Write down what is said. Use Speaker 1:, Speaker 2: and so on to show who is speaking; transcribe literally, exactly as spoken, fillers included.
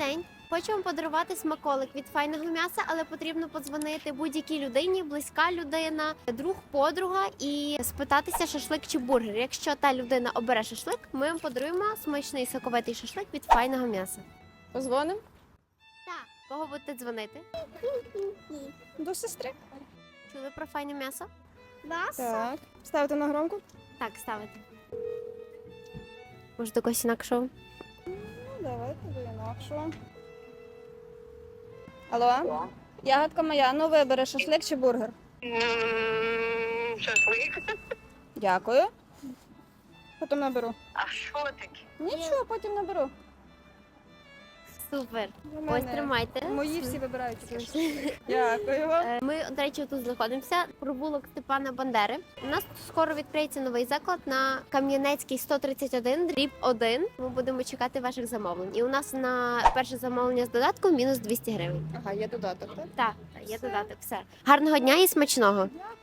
Speaker 1: день. Хочу вам подарувати смаколик від файного м'яса, але потрібно подзвонити будь-якій людині, близька людина, друг, подруга і спитатися шашлик чи бургер. Якщо та людина обере шашлик, ми вам подаруємо смачний соковитий шашлик від файного м'яса.
Speaker 2: Позвоним
Speaker 1: Так. Кого будете дзвонити?
Speaker 2: до сестри.
Speaker 1: Чули про файне м'ясо?
Speaker 2: Так. Ставити на громку?
Speaker 1: Так, ставити. Може, до когось інакшого?
Speaker 2: Ну, давайте до інакшого. Алло? Ягодка моя, ну вибери шашлик чи бургер?
Speaker 3: М, Шашлик.
Speaker 2: Дякую. Потім наберу.
Speaker 3: А що таке?
Speaker 2: Нічого, потім наберу.
Speaker 1: Супер.
Speaker 2: У
Speaker 1: Ось
Speaker 2: мене
Speaker 1: тримайте.
Speaker 2: Мої всі вибирають. Дякую вам.
Speaker 1: Е, Ми, до речі, тут знаходимося. Провулок Степана Бандери. У нас тут скоро відкриється новий заклад на Кам'янецький сто тридцять один, дріб один. Ми будемо чекати ваших замовлень. І у нас на перше замовлення з додатком мінус двісті гривень.
Speaker 2: Ага, є додаток, так?
Speaker 1: Так, є додаток. Все. Гарного дня і смачного.
Speaker 2: Дякую.